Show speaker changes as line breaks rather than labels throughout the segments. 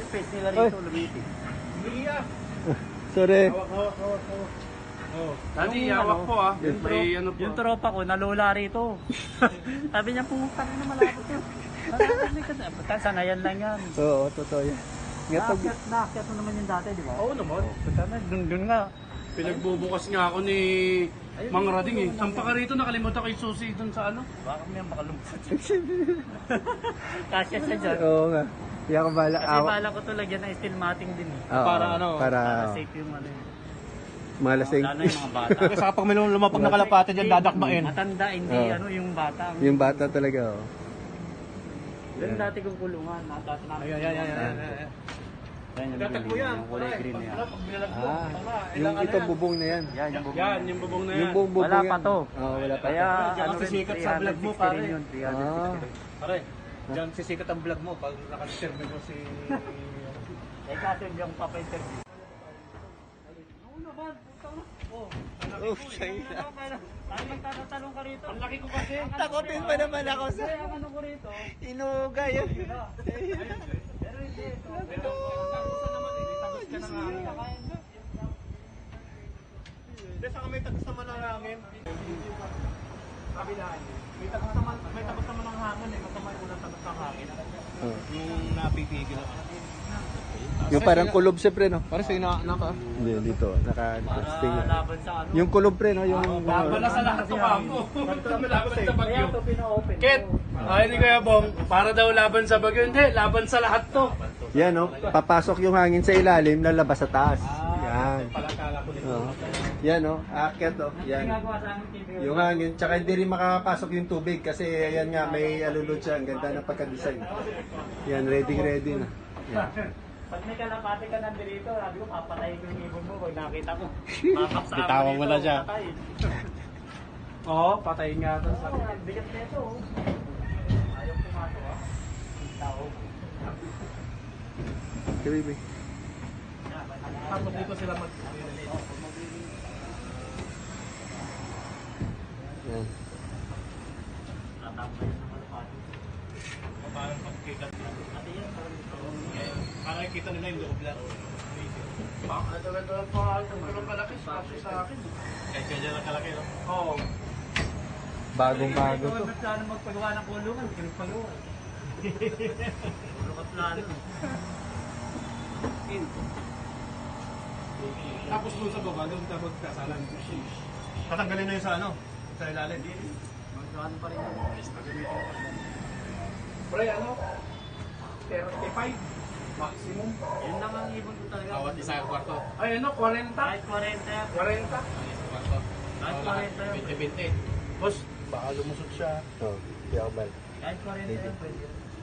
space nila rito, lumitin.
Sorry.
Hawak. Oh.
Dati,
Yung
hawak
ano,
po ah. May ano po.
Yung tropa ko, nalula rito. Sabi niya, pumunta rin na malapit yun. Sanayan lang yan.
Oo, totoo yan. Nga pag...
Naakyat mo naman yung dati, di ba?
Oo naman.
Dun nga.
Pinagbubukas nga ako ni Mang Rading eh. Sampa ka rito, nakalimutan ko yung susi dun sa ano.
Baka may makalumpat. Kasya siya dyan.
Oo nga. Hindi ako bala.
Kasi bala ko to lagyan ng steel matting din eh.
Oo,
Para ano?
Para
Safe yung ano yun.
mga lasing.
Lalo yung mga bata.
Kasi kapag may lumapag na kalapate dyan, dadakmain.
Matanda, hindi
Oo.
ano yung bata.
Yung bata talaga, oh.
Yung dati kong kulungan. Dati namin.
Ayan.
Yan yung
Datak mo
green,
yan.
yung kulay green na yan.
Pag binalag mo,
Ah,
tama.
yung ito bubong na yan.
Yan, yung bubong.
Yan, yung bubong na yan.
Yung buong bubong
Wala
yan.
pa to.
Oo, wala pa.
Kaya
Diyan
ano
kasi
rin,
sikat sa vlog mo,
360
pare.
rin yun, 360 rin.
Pare, dyan sisikat ang vlog mo pag nakaserve mo si...
Eh kasi yung papa-interview.
Oh, sayang na.
Ay, magtatanong ka rito.
Ang laki ko kasi.
Takotin pa naman ako sa...
Kaya ang ano ko rito.
Inuga yun.
Pero hindi ito. Pero tagusan naman eh. Tagus ka na nga.
Hindi, saka may tagos naman ang hangin. Kabilaan. May tagos naman ang hangin eh. Masama yung unang tagos ng hangin.
Oh.
Yung napipigil ako.
Yung parang kulob siyempre, no?
Pare sa'yo naka...
Hindi, dito. Naka-sting.
Laban sa ano.
Yung kulob pre, no? Yung...
Laban na sa lahat to kamo. Laban sa
Kaya
bagyo.
ito pina-open.
Ket, ay ni Kuya Bong, para daw laban sa bagyo. Hindi, laban sa lahat to.
Yan, no? Papasok yung hangin sa ilalim, lalabas sa taas. Yan.
Palakala ko dito.
Oh. Yan, no? Aakyat, no? Yan.
Ginagawa sa amin TV.
Yung hangin, tsaka hindi rin makakapasok yung tubig kasi ayan nga, may alulod siya. Ang ganda ng pagka-design. Yan, ready na. Yan.
Pag may kalapate ka nandito, sabi ko, papatayin ko yung ibon mo pag nakita ko. Makapsama
Bitawan mo na siya.
patayin.
Oo, patayin nga to.
Sabi ko, bigat nito. Ayaw pumasok ah. Tao.
Okay, baby.
Tapos dito sila mag...
Yan.
Tatapos yung kalapate.
Parang pagkita.
Pati yan,
Para kita nila yung loob lang.
Ito pa, tulong kalaki sa akin.
Kahit kaya lang kalaki, no?
Oo.
Bagong-bago to.
Ikaw may plano magpagawa ng kulungan, hindi ka magpagawa. Puro ka plano.
Tapos doon sa baba, doon ka magkasalan. Tatanggalin na yun sa ano? Sa ilalim.
Magkano pa rin.
Pre, ano? 35 maximum.
Yun lang ang ibon ko talaga.
Bawat isa ang kwarto.
Ay, ano? 40?
Kahit 40.
40?
Kwarto.
Kahit 40.
20-20.
Boss, baka lumusot siya.
Oh, di ako bal.
Kahit 40 yan, pwede.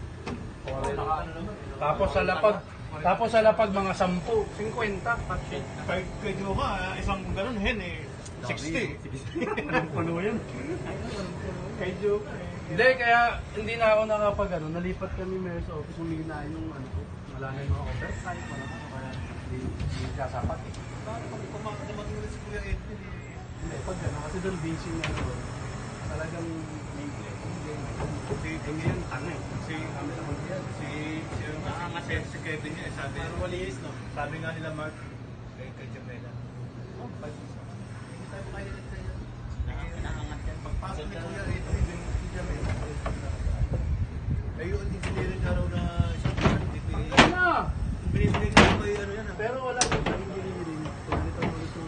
Tapos sa lapag mga 10, 50.
Pwede mo ba, isang ganun hen eh. 60.
Puno yan. Kay Joe. Hindi, kaya hindi na ako nakapag ano, nalipat kami mayor sa office, humingi na yung ano ko. Wala na yung mga oversight, wala na kaya hindi kasapat eh.
Pag kumakita naman si Kuya Edwin eh.
Hindi, pag ano, kasi doon busy na ano, talagang may hindi yan tanga eh.
Si si Kevin niya, sabi niya. Walis, no? Sabi nga nila Mark, kay Jamela. Oh, pagpasok ni Kuya Edwin, si Jamela. Ayun, engineering na raw na isang PPA.
Ano?
Binibigay ko kayo ano yan.
Pero wala yung sa engineering. Kung ito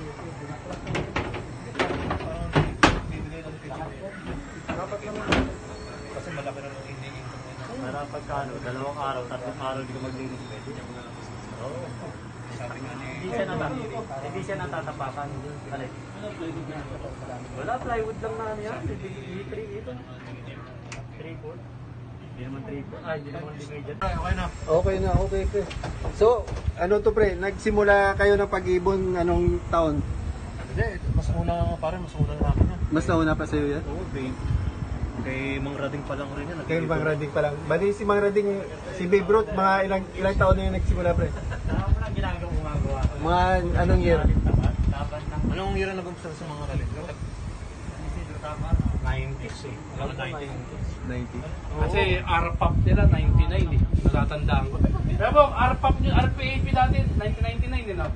Parang bibigay lang kay Jamela.
dapat naman.
Kasi malaki na ng hindi income niya.
Para pagkano, 2 araw, 3 araw di ka maglinis pwede.
Sabi nga ni...
Hindi siya natatapakan. Alay. Wala, plywood lang na ano yan. E3 ito. 3-4. Hindi naman 3-4. Ay, hindi naman division.
Okay na.
Okay na, okay pre. So, ano to pre? Nagsimula kayo ng pag-ibon anong taon?
Hindi, mas una parang mas una na akin yan.
Mas nauna pa sa'yo yan?
Oo, babe. Kay Mang Rading pa lang rin yan.
Kaya Mang Rading pa lang. Bali si Mang Rading, si Babe Ruth, mga ilang taon na yung nagsimula pre?
Saka mo lang ginagawa gumagawa.
Mga anong year?
Laban ng
Anong year na nag-umpisa sa mga Rading?
Isidro, tama.
90s eh. Alam mo 90s.
90.
Kasi RPAP nila 99 eh. Natatandaan ko. Pero bong, RPAP nyo, RPAP dati, 1999 din, no?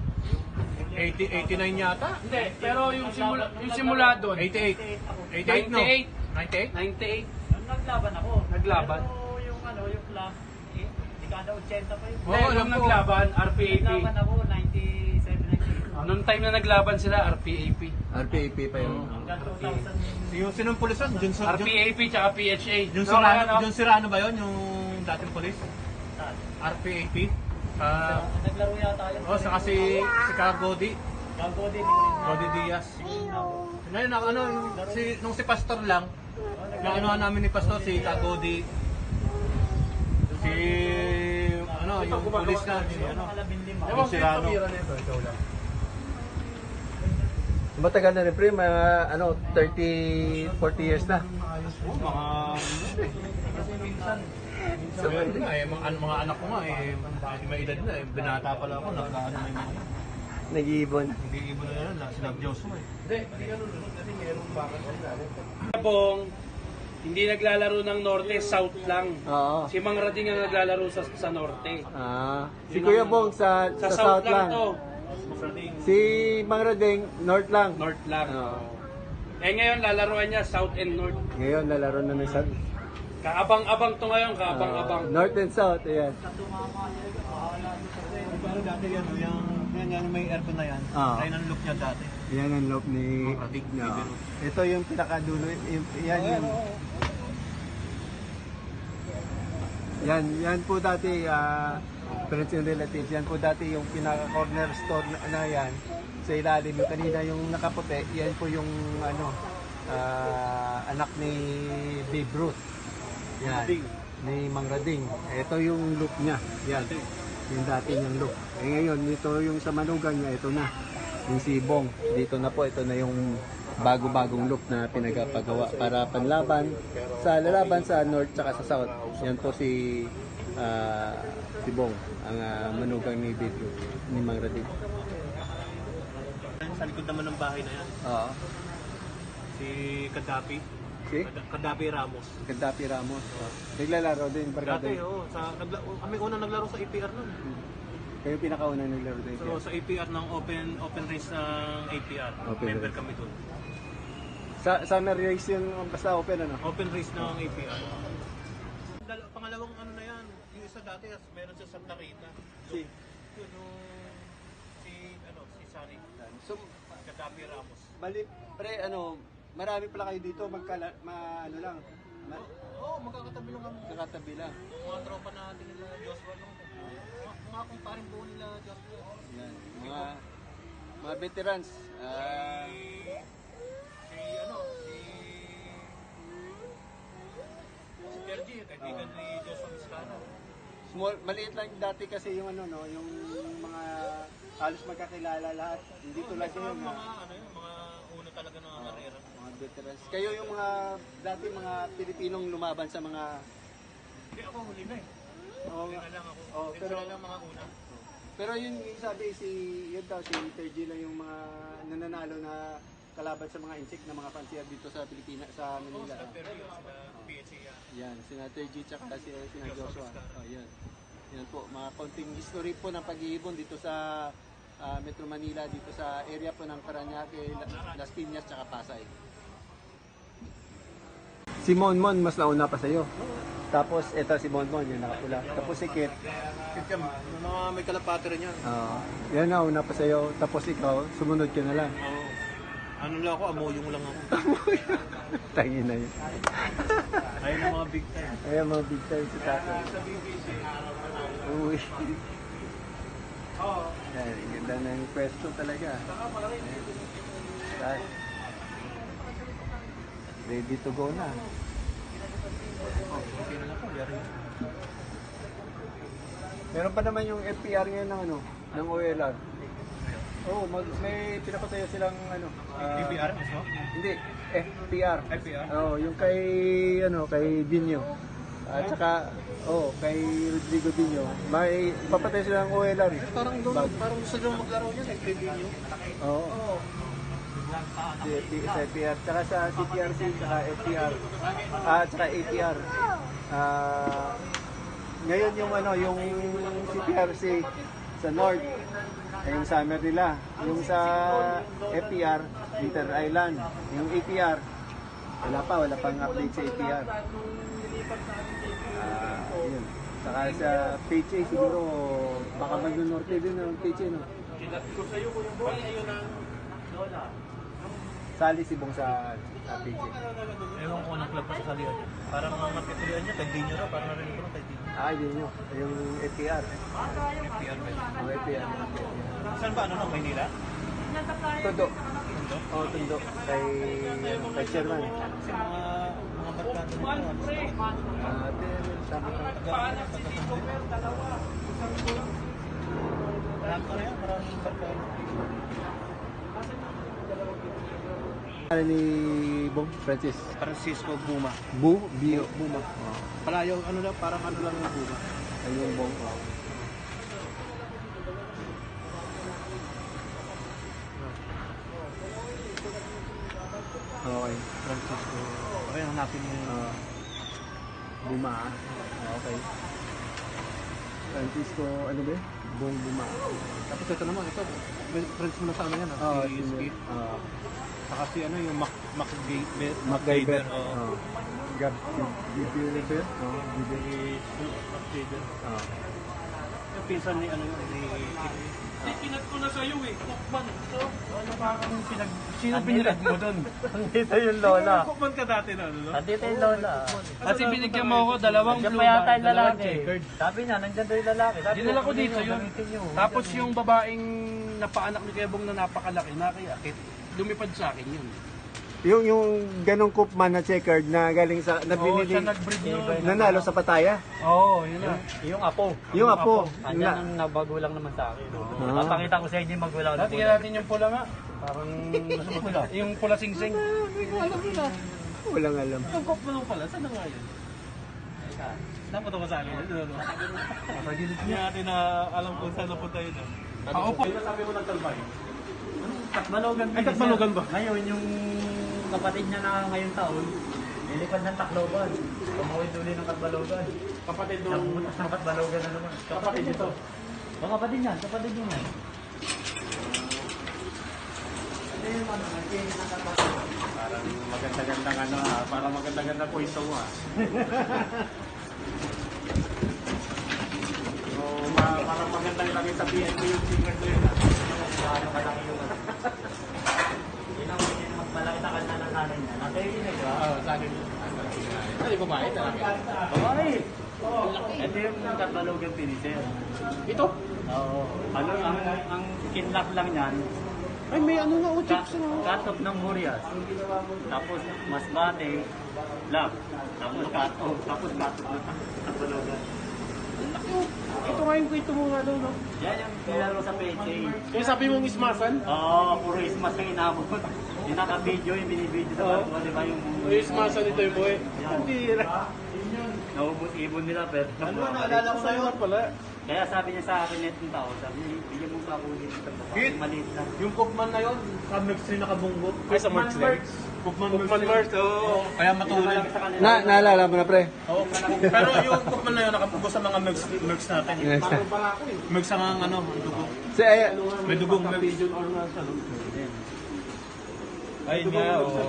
89 yata?
Hindi, pero yung simula doon.
88. 88 no?
98.
98?
98.
Nung naglaban ako.
Naglaban?
Pero yung ano, yung class, dekada 80 pa yun.
Hindi, nung naglaban, RPAP.
Naglaban ako, 97, 98.
Nung time na naglaban sila, RPAP.
RPAP pa yun.
Hanggang 2000.
Yung sinong pulisan?
RPAP tsaka PHA.
Yung
No,
Sirano,
ano?
yung Sirano ba yun? Yung dating pulis?
Saan?
RPAP?
Naglaro yata yun.
Oh, saka si Cagodi.
Gago din.
Cody Diaz. Ngayon, ano, nung si Pastor lang, naanuhan namin ni Pastor, si Cagodi. Si, ano, yung pulis na, si, ano,
Ewan
yung
ko yung
Sirano.
pamira nito, ikaw lang.
Matagal na rin pre, mga ano, 30, 40 years na.
Oh, mga,
So,
Sabi nga eh, mga anak ko nga eh, may edad na eh, binata pala ako, nagkaano may mga,
nag-iibon.
hindi ibo na yan, sila Joshua eh.
Hindi, hindi ganun. Kasi mayroong bakit sila. Bong, hindi naglalaro ng Norte, South lang.
Oo.
Si Mang Rading ang naglalaro sa Norte.
Si Kuya Bong sa South lang.
to.
Si Mang Rading, North lang.
North lang.
Oo.
Eh ngayon, lalaroan niya South and North.
Ngayon, lalaro na ng South.
Kaabang-abang to ngayon, kaabang-abang.
North and South, ayan.
Pero dati yan, yung may aircon na yan,
Ah.
ayun ang look niya dati.
Yan ang loop ni...
Mang Rading,
No.
Bibero.
Ito yung pinakadulo. Yan yung... Yan po dati, friends and relatives, yan po dati yung pinaka-corner store na yan. Sa ilalim, yung kanina yung nakaputi, yan po yung ano, anak ni Babe Ruth. Yan, ni Mang Rading. Ito yung look niya, yan. Yung dati niyang look. Eh ngayon, ito yung sa manugang niya, ito na. Yung si Bong, dito na po, ito na yung bago-bagong look na pinagpagawa para panlaban sa lalaban sa North tsaka sa South. Yan po si Bong, ang manugang ni Babe Ruth, ni Mang Rading.
Sa likod naman ng bahay na yan,
Oo.
si Gaddafi.
Si
Gaddafi Ramos.
Gaddafi Ramos. Naglalaro din, barkada.
Dati, kami unang naglaro sa APR nun.
Kayo pinakauna naglaro din.
So sa APR ng open race ng APR,
Open
member
race.
kami dun.
Sa summer race yun, basta open ano?
Open race ng APR. Pangalawang ano na yan, yung isa dati, meron sa Santa Rita.
Si?
Yun, si Sari.
So,
Gaddafi Ramos.
bali, pre, ano, marami pala kayo dito, ano lang,
Oo, magkakatabi lang kami.
kakatabi lang.
Mga tropa natin nila Joshua lang. Mga kumparing buo nila Joshua.
Yan, mga veterans.
Si Sergi, kaibigan ni Joshua Vizcano.
Maliit lang dati kasi yung ano, no, yung mga halos magkakilala lahat. Hindi tulad ngayon na
Mga una talaga ng karera.
mga veterans. Kayo yung mga, dati mga Pilipinong lumaban sa mga...
Hindi, ako huli na eh.
Oo,
Huli na lang ako.
Oo,
Hindi
pero-
sila lang mga una.
Pero yun yung sabi, yun daw, si Tergy lang yung mga nananalo na kalaban sa mga insect na mga pansiya dito sa Pilipinas, sa
Oo,
Manila.
sila Perry, sila PHA yan.
Yan, sina Tergy tsaka sina Joshua. Oh, yan. Yan po, mga konting history po ng pag-iibon dito sa Metro Manila, dito sa area po ng Parañaque, Las Piñas tsaka Pasay. Si Monmon mas nauna pa sa'yo. Tapos eto si Monmon, yung nakapula. Tapos si Kit.
Kaya mga may kalapati rin yan.
Yan na, una pa sa'yo. Tapos ikaw, sumunod ka na lang.
Oo. Ano lang ako, amoyong lang ako.
Tangin na yun.
Ayun ang mga big time.
Ayan mga big time si tatay. Uy. Yan, ang ganda ng pwesto talaga. Ayan. Ready to go na.
Okay na lang po, yari.
Meron pa naman yung FPR ngayon ng ano, ng OLR. Oh, may pinapatayo silang ano.
APR mismo?
Hindi, FPR.
FPR?
Oh, yung kay ano, kay Dinyo. At saka kay Rodrigo Dinyo. May papatayo silang OLR. Eh.
Parang doon, parang gusto doon maglaro niya, nag-preview nyo.
Oo. Sa FPR, tsaka sa CTRC, tsaka FPR, tsaka APR. Ngayon yung ano, yung CPRC sa North, ay yung summer nila. Yung sa FPR, Winter Island. Yung APR, wala pang update sa APR. Yun. Saka sa PHA siguro, baka mag-norte din ang PHA, no? Sali si Bong sa PHA.
Ewan ko ng club pa sa salihan niya. Parang ang napituloyan niya, kay Dino raw. Parang narinig ko lang kay Dino.
Yun yun. Yung FPR.
FPR ba yun?
Ang FPR.
Saan ba? Ano no? Maynila?
Tundo. Oo, Tundo. Kay Chairman.
Kasi mga barkada nito.
Tama ka.
Marami ka na yan. Maraming barkada.
Ano ni Bong Francis?
Francisco Buma.
Buma.
Palayo, ano lang, parang ano lang yung Buma.
Ayun yung Bong. Okay.
Francisco. Okay, hanapin mo yung...
Buma. Okay. Francisco, ano ba? Bong Buma.
Tapos ito naman, ito. Friends mo na sa ano yan, si Skip. Saka si ano, yung MacGyver. Oo.
Gabber?
MacGyver. Yung pinsan ni ano yun, ni Kip.
Pinag ko na sa'yo eh. Kukman. So,
Ano pa kung sino pinirad mo doon?
Nandito yung lola.
kukman ka dati na ano, no?
Nandito yung lola.
Kasi binigyan mo ako dalawang
Nandiyan
blue
pa yata
bar,
yung
dalawang
lalaki.
checkered.
Sabi niya, nandiyan daw yung lalaki. Sabi
Dinala ko
kunin
dito
nyo,
yun.
gamitin nyo.
Tapos yung babaeng napaanak ni Kebong na napakalaki, nakiakit, lumipad sa akin yun.
Yung ganong Koopman na checkered na galing sa
Oo,
nabinili,
siya nag-breed yun.
nanalo sa Pataya.
Oo, yun na.
Yung apo.
Yung apo.
Andyan ang nabagulang naman sa akin. Papakita ko sa inyo yung magulang.
Dati natin yung pula nga. Parang pula. Yung pula sing-sing.
Walang alam.
Yung koplo pala, saan na nga yun? Dapat ako sa akin. Hindi natin na alam kung saan napunta yun. Ako po. Sabi mo ng talbay.
Katbalogan.
Ay, Katbalogan ba?
Ngayon, yung kapatid niya na ngayong taon, nilipad ng Tacloban. Tumawid uli ng Katbalogan.
Kapatid nung...
Nabutas ng Katbalogan na naman.
Kapatid ito.
O kapatid niyan, kapatid niya yan.
Parang maganda-gandang ano ha, parang maganda-gandang pwesto mo ha. So, parang magandang lagi sa PNP yung sticker ko yun ha.
Ano ka lang yung yun ang magmalaki sa kanya ng nanay niya. Nasa yun eh, di ba?
Oo, sa akin yun. Ay, babae talaga.
Babae. Ito yung Katbalogan finisher.
Ito?
Oo. Ano, ang kinlock lang niyan,
Ay, may ano nga, chips na.
cut-off ng Murias. Tapos masbate, lock. Tapos cut-off. Tapos cut-off ng Katbalogan.
Ito nga yung kwento mo nga daw, no?
Yan yung nilaro sa PHA.
Kaya sabi mong ismasan?
Oo, puro ismas ang inabot. Yung naka-video, yung binibideo sa barko, di ba yung...
Ismasan ito yung buhay. Hindi.
Naubot-ibon nila, pero...
Naalala ko sa'yo pala.
Kaya sabi niya sa akin netong tao, sabi niya, bigyan mo sa ako dito sa baba.
Hit!
Maliit lang.
Yung Cookman na yun, sa Merckx rin nakabunggo. Ay, sa Merckx
Cookman
din. Cookman Merckx, oo. Kaya matulad.
Sa kanila.
Naalala mo na, pre?
Oo, pero yung Cookman na yun, nakabunggo sa mga Merckx natin.
Yes.
Merckx ang ano, dugo. May dugong Merckx. Ayun nga, oo.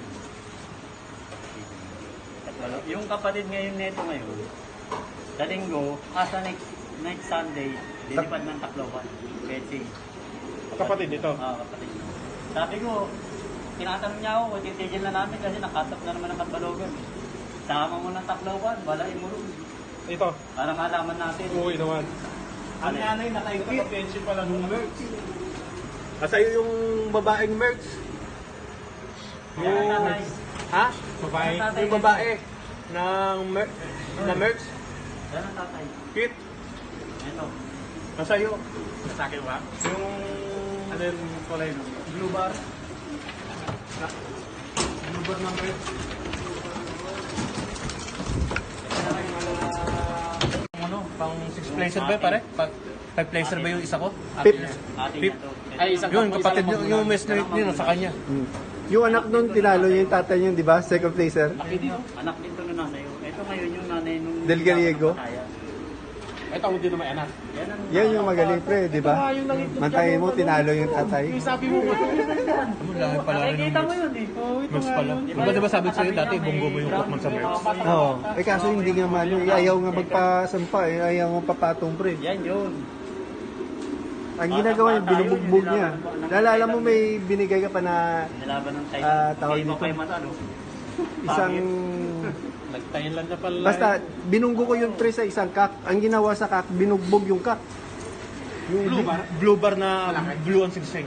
Yung kapatid ngayon neto ngayon, sa linggo, sa next Sunday, lilipad ng Tacloban. Fetching.
Kapatid ito.
Kapatid. Sabi ko, tinatanong niya ako, kung titigil na namin kasi nakatap na naman ang Katbalogan. Sama mo ng Tacloban, balain mo rin.
Ito.
Para malaman natin.
Oo, naman. Ang nanay nakaikot sa pension pala ng Merckx. Sa'yo yung babaeng Merckx.
Yan ang tatay.
Ha? Babae?
Yan ang tatay.
Yung babae ng na Merckx.
Yan ang tatay.
Kit.
Ito.
Sa'yo. Sa akin ba? Yung ano yung kulay no? Blue bar. Blue bar ng Merckx. Ano? Pang 6 placer ba pare? 5 placer ba yung isa ko?
Pip.
Ating
Pip.
na to.
Ay, isang yun, kapatid yung mesmate niyo sa kanya.
Yung anak nun, tinalo niya yung tatay niya, di ba? Second placer.
Anak din to na nasa iyo. Ito ngayon yung nanay nung...
Del Gallego?
Pataya.
Ito ang hindi na may anak.
Yan ang...
Yan yung magaling pre, di ba?
Yung nangitlog
Mantayin mo,
ano,
tinalo yung tatay.
Yung sabi mo,
Lahi pala rin
Nakikita
ng
mo yun eh.
Merch pala. Di ba sabi ko sa'yo dati, bonggo mo yung Pokemon sa Merch?
Oo. Eh kaso hindi nga man, ayaw nga magpasampa eh, ayaw nga papatong pre.
Yan yun.
Ang ginagawa niya, binubugbog niya. Naalala mo may binigay ka pa na
Nilaban ng tayo.
tawag
Hindi mo
dito.
kayo matalo.
isang...
nag-Thailand na pala.
Basta, binunggo ko yung pre sa isang kak. Ang ginawa sa kak, binugbog yung kak. Yung
Blue bar na blue ang sigsing.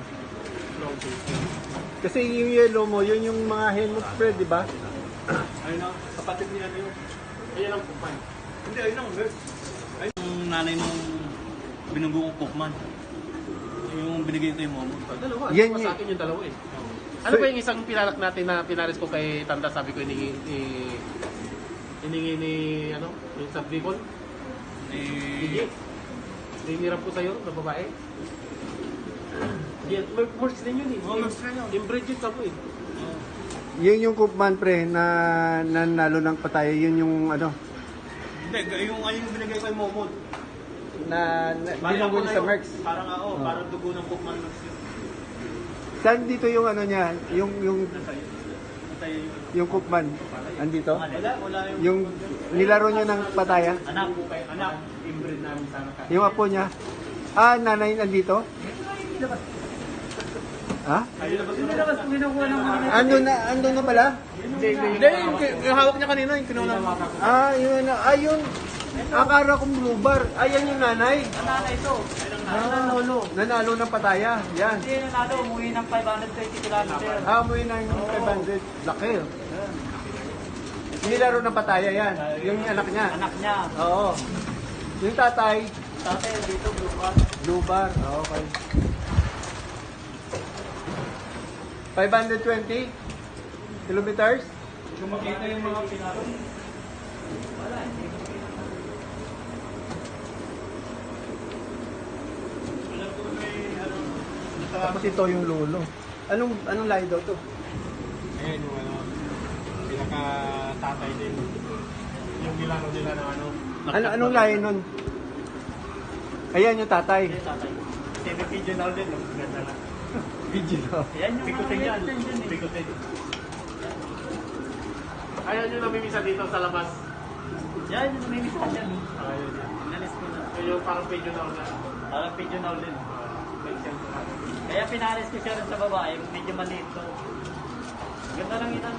Kasi yung yellow mo, yun yung mga helmet pre, di ba?
Ayun na, kapatid niya na yun. Ayun ang Pokemon. Hindi, ayun ang Merch.
Yung nanay nung binunggo kong Pokemon. Yung binigay ko yung momo.
Dalawa.
Yan
Yan sa akin yung dalawa eh. Ano ba yung isang pinalak natin na pinaris ko kay Tanda? Sabi ko iningi ni ano, yung sa Bicol? Gigi. Hiniram ko sa'yo na babae. Yan, Merch din yun eh.
Merch din yun.
Yung Bridget ka po eh.
Yun yung Koopman pre na nanalo ng patay. Yun yung ano,
Hindi, yung binigay ko yung Momod.
na binunggo niya sa Merx.
Parang parang dugo ng Pokemon Merch yun.
Saan dito yung ano niya? Yung Koopman. Andito?
Wala
Yung nilaro niya ng pataya?
anak, inbreed namin sana ka.
Yung apo niya? Ah, nanay nandito? Ha?
Pinilabas ko kinukuha ng mga...
Ando na pala?
Hindi, yung hawak niya kanina, yung kinuha ng
Ah, yun na. Ah, yun. Akala kong blue bar. Ayan yung nanay.
Ang nanay ito.
Ah, nanalo ng pataya. Yan.
Hindi nanalo, umuwi ng 520 kilometer.
Ah, umuwi ng 500. Laki. oh. Nilaro ng pataya yan. Yung anak niya.
Anak niya.
Oo. Yung tatay,
Tatay dito, blue bar.
blue bar. Ah, okay. 520 kilometers?
Kung makita yung mga pinaro. Wala, hindi ko
Tapos ito yung lolo. Anong lahi daw to?
Ayan yung ano, pinaka-tatay din. Yung nilaro nila ng ano.
Anong lahi nun? Ayan yung tatay.
Hindi, tatay. Semi pigeon now din, no? Ganda lang.
Video.
Yan yung
Pikutin
mga
yan.
extension eh.
Pikutin.
Ayan yung namimisa dito sa labas.
Yan yung namimisa yan.
Ayun yan.
Inalis ko na.
Yung parang page na na.
Parang pigeon now din. Kaya pinalis ko siya rin sa babae, medyo maliit to. Ganda lang yun.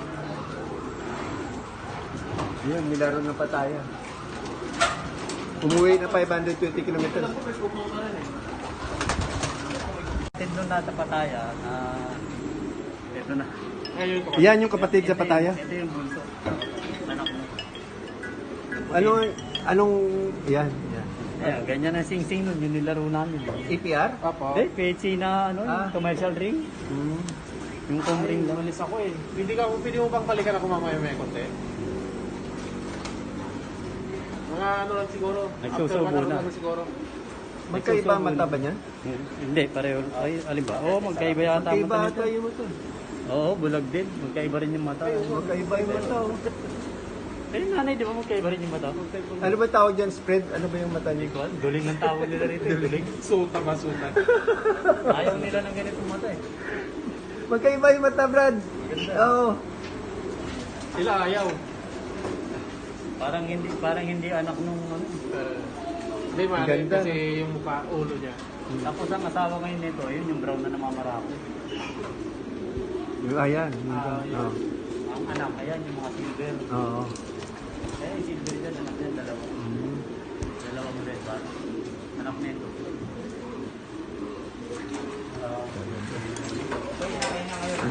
Yun, nilaro ng pataya. Umuwi na 520 kilometers.
Tindong nasa pataya na... ito na.
Ayun ko.
Yan yung kapatid sa pataya.
Ito yung bunso. Anak mo.
Anong, yan.
Ayan, ganyan ang sing-sing nun, yung nilaro namin.
APR?
Apo.
Eh, PHC na ano, yung commercial ring. Yung com ring lang.
Malis ako eh. Pwede mo bang balikan ako mamaya may konti? Mga ano lang siguro.
Nagsusubo
after 1 hour
na.
naman siguro.
Magkaiba ang mata ba niyan?
Hindi, pareho. Ay, alin ba? Oo, magkaiba yata ang
Magkaiba
mata
ata
nito.
yung mata.
Oo, bulag din. Magkaiba rin yung mata.
Magkaiba yung mata. oh.
Pero yung nanay, di ba magkaiba rin yung mata?
Ano ba tawag dyan? Spread? Ano ba yung mata niya?
Duling ng tawag nila rito. Duling.
Suta ba suta?
Ayaw nila ng ganitong mata eh.
Magkaiba yung mata, Brad. Oo.
Sila ayaw.
Parang hindi anak nung ano.
Hindi mali
Ganda,
kasi yung mukha, ulo niya.
Tapos ang asawa ngayon nito, yun yung brown na namamarako.
Ayan. Oo.
Ang anak, ayan yung mga silver.
Oo.
Kaya yung silver dyan, anak yan, dalawa. Dalawang red bar. Anak nito. Kaya na ngayon.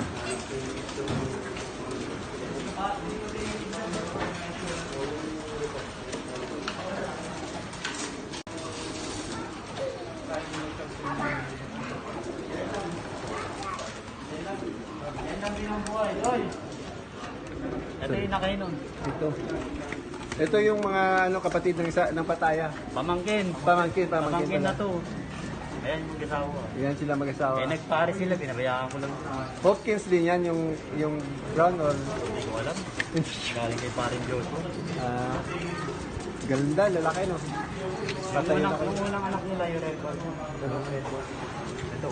Yan ang binubuhay, oy! Ito yung nakainom.
Ito yung mga kapatid ng isa ng pataya.
Pamangkin.
Pamangkin
Pamangkin na
pala.
to. Ayan yung mag-asawa.
Yan sila mag-asawa.
Eh, nagpare sila, pinabayaan ko lang.
Hopkins din yan, yung brown or...
Hindi ko alam. Galing kay parin Joshua.
Ganda, lalaki no?
Yung unang anak nila, yung red ball. Red ball. Ito.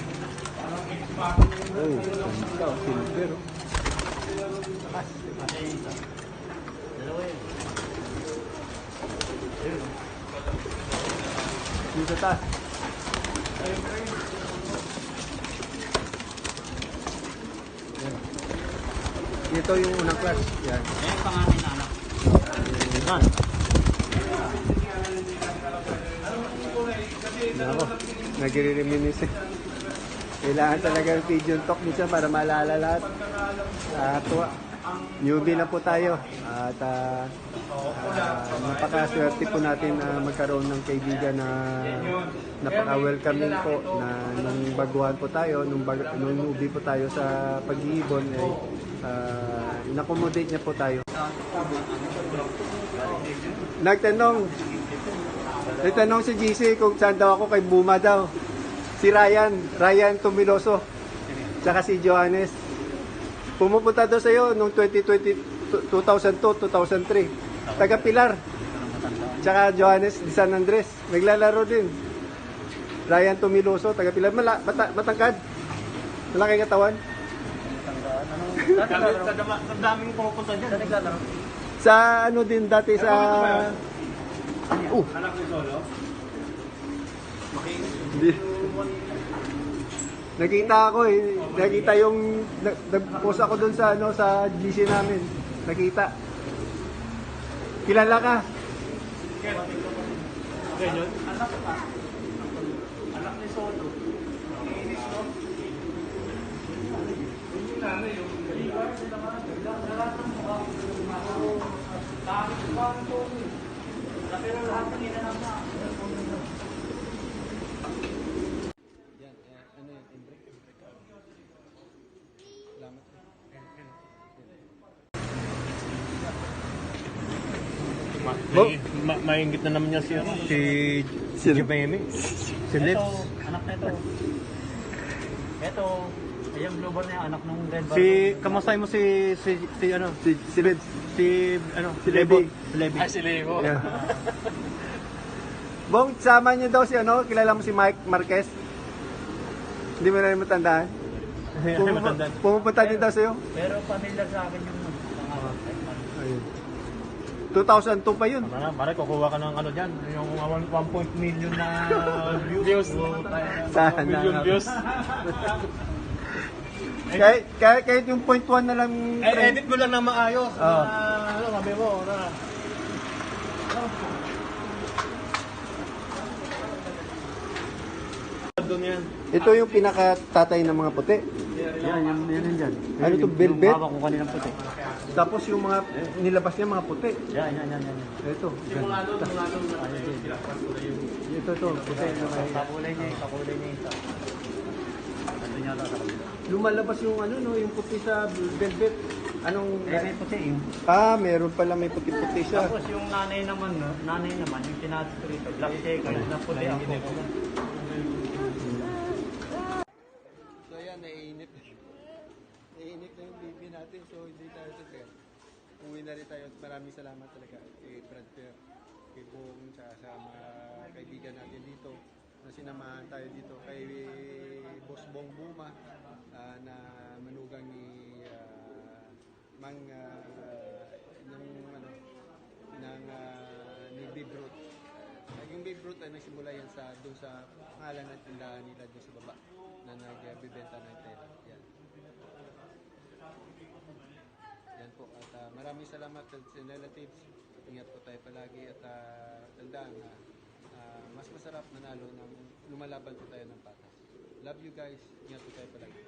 Ay, ganda. Silver. Oh.
Kasi isa. Dalawa yun.
Dito sa taas. Yan. Ito yung unang class. Yan.
Ayan yung pangalan na anak. Yan.
Ako, nagre-reminisce. Kailangan talaga ng pigeon talk minsan para maalala lahat. Tuwa. Newbie na po tayo. At napakaswerte po natin na magkaroon ng kaibigan na napaka-welcoming po na nung baguhan po tayo, nung newbie po tayo sa pag-iibon, in-accommodate niya po tayo. Nagtanong si GC kung saan daw ako kay Buma daw. Si Ryan Tumiloso, tsaka si Johannes. Pumupunta daw sa'yo noong 2002, 2003. Taga Pilar. Tsaka Johannes di San Andres. Naglalaro din. Ryan Tumiloso, taga Pilar. Matangkad. Malaking katawan.
Sa daming pumupunta dyan.
Saan naglalaro?
Sa ano din dati sa...
Anak ni Solo?
Hindi. Nakita ako nakita yung nag-post ako doon sa sa GC namin. Nakita. Kilala ka?
Ganyan?
Anak ni Soto. Pero lahat ng inanap na.
Yan, ano yun? Imbrick? Salamat.
Maingit na naman niya si Jimmy. Si
Ito,
Lips.
anak na ito. Ito, yung blue bar niya, anak nung red bar.
Kamusay mo si ano?
Si Lids.
Si ano?
Si Levi.
Levi. Si Levo.
Yeah. Bong, sama niyo daw si kilala mo si Mike Marquez? Hindi mo na rin matandaan?
Matandaan.
Pumupunta din daw sa'yo?
Pero familiar sa akin yung pangalan.
Ayun. 2002 pa yun.
Mare, kukuha ka ng ano dyan, yung 1 million na views.
Sana.
Million views.
Kahit yung 0.1 na lang.
Edit mo lang na maayos.
Oo.
Ano, sabi mo, na. Doon yan.
Ito yung pinakatatay ng mga puti.
Yan dyan.
Ano to, velvet?
Yung hawak ko kaninang puti.
Tapos yung mga nilabas niya mga puti.
Yan.
Ito. Ito, puti.
Kakulay niya isa. Ano niya sa kabila?
Lumalabas yung yung puti sa velvet. Anong...
May puti yun.
Meron pala may puti-puti siya.
Tapos yung nanay naman, yung tinatas ko rito, black checker, na puti ang kuko.
So yan, naiinit. Naiinit na yung baby natin, so hindi tayo super. Uwi na rin tayo. Maraming salamat talaga kay Brad Fair, kay Bong, sa mga kaibigan natin dito na sinamahan tayo dito, kay Boss Bong Buma na manugang ni ni Babe Ruth. Yung Babe Ruth ay nagsimula yan doon sa pangalan ng tindahan nila doon sa baba na nagbebenta ng tela. Yan. Yan po. At maraming salamat sa relatives. Ingat po tayo palagi at tandaan na mas masarap manalo ng lumalaban po tayo ng patas. Love you guys. Ingat po tayo palagi.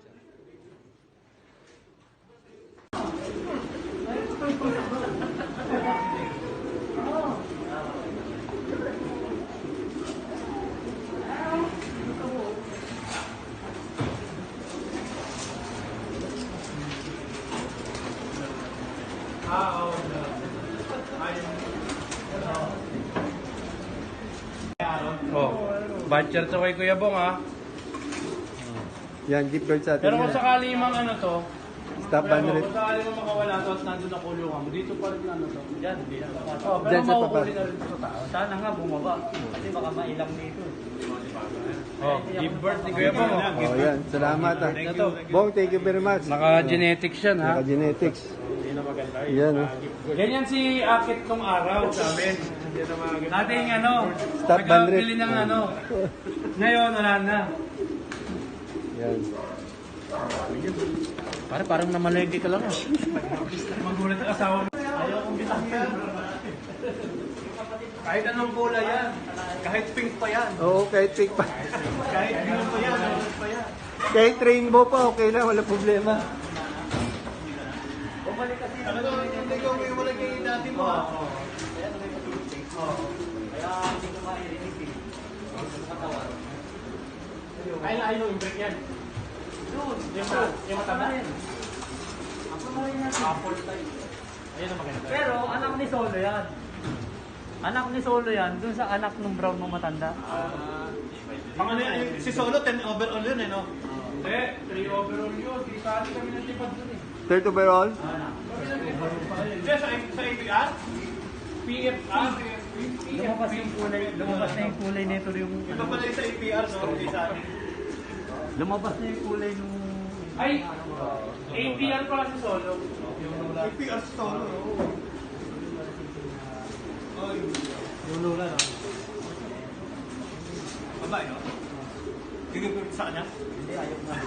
Voucher to kay Kuya Bong ha.
Yan, gift card sa atin.
Pero kung
yan.
sakali mang ano to,
Stop ban rate.
Kung sakali mo makawala to at nandun na kulungan mo, dito pa rin ano to.
Diyan, hindi na papasok.
Oh, pero
Diyan sa
makukunin
baba.
na rin ito sa tao.
Sana nga bumaba. Kasi baka mailang dito.
Oh, give birth ni Kuya Bong.
Oh, yan. Salamat. Ah. Bong, thank you very much.
Naka-genetics yan ha.
Naka-genetics. Yan, oh.
Ganyan si Akit nung araw sa amin. Dating ano,
Stop ban rate.
nagkabili ng ano. Ngayon, wala na.
Yan.
Parang namalengke ka lang ah.
Magulat ang asawa mo.
Ayaw kong bitawan.
Kahit anong kulay yan. Kahit pink pa yan.
Oo, kahit pink pa.
Kahit blue pa yan. Orange pa yan.
Kahit rainbow pa, okay na. Wala problema.
Bumalik kasi.
Ano to? Hindi ko may wala kayo dati mo.
Kaya may matulog. Kaya hindi ko mairinig eh. Hindi ko matawar.
Ayun yung break yan.
Doon.
Yung mataba.
Ako na rin natin.
Apple type. Ayun ang maganda.
Pero anak ni Solo yan. Anak ni Solo yan, dun sa anak ng brown mo matanda.
Ang ano yan, si Solo 10 overall yun eh no? Hindi, 3 overall yun. Di sali kami ng tipad dun eh.
Third overall?
Hindi, sa APR? PFR?
Lumabas yung kulay, lumabas na yung kulay nito yung...
Iba pala yung sa APR no? Hindi sa akin.
Lumabas na yung kulay nung...
Ay! APR pala si Solo. APR si Solo. Yung lula no? Babae no? Gigil sa kanya?
Hindi, ayaw na.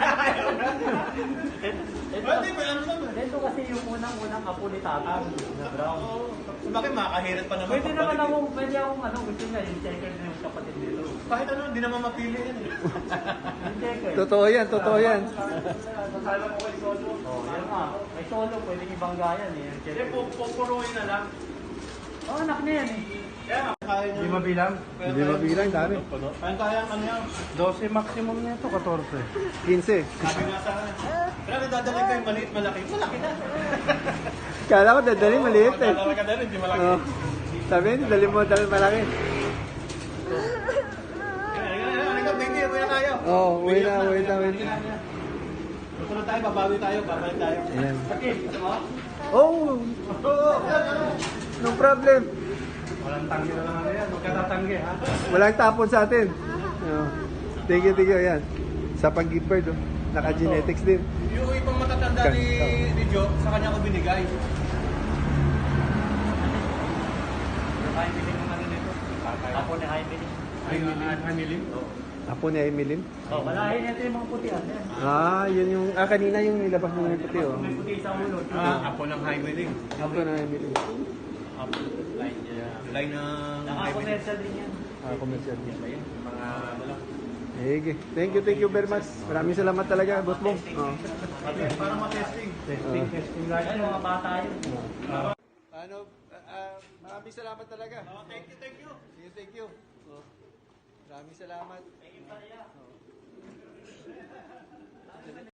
Hindi, may ano naman.
Ito kasi yung unang-unang apo ni Tatang na brown.
Bakit makakahirit pa naman?
Pwede naman akong, pwede akong ano, gusto niya, yung checker na yung kapatid nito.
Kahit ano, hindi naman mapili yan eh.
Yung checker.
Totoo yan, totoo yan.
Masala ko kay Solo.
Oh, yan nga. May Solo, pwede ibangga yan eh. Yung
Hindi,
checker.
pupuruin na lang.
Oh, anak niya yan eh.
Kaya kaya niya. Hindi mabilang?
Hindi mabilang, dami.
Kaya ano yan? 12 maximum na ito, 14.
15.
Sabi nga sa akin. Pero dadalhin ko yung maliit malaki. Malaki na.
Kala ko dadali maliit eh.
Dadalhin ka na rin, hindi malaki.
Oh. Sabi, dali mo dali malaki.
Halika, baby, uwi na tayo.
Oh, uwi na, uwi na, uwi na.
Susunod tayo, babawi tayo, babalik tayo.
Ayan.
Okay, ano?
Oh, no problem.
Walang tanggi na lang ano yan, huwag ka tatanggi ha.
Walang tapon sa atin. Oh. Thank you, ayan. Sa pag-give birth, oh. Naka-genetics din.
Yung ibang matatanda ni Joe, sa kanya ko binigay.
Jaime Lim yung ano nito. Apo ni Jaime Lim.
Hamilim?
Apo ni Emilyn.
Oh, walahin ito yung mga putihan. Yan.
Ah, yun yung... Ah, kanina yung nilabas mo ng puti, oh.
May puti sa ulo.
Apo ng highway din.
Apo na Emilyn.
Apo, line niya. Line ng highway din.
Naka-commercial din yan.
Ah, commercial din.
Mga ano lang.
Sige. Thank you very much. Maraming salamat talaga, boss Bong. Oh.
Para ma-testing. Testing lang.
Yan, mga bata yun.
Ano, maraming salamat talaga.
Thank you, thank you.
Thank you. Oh. Maraming salamat.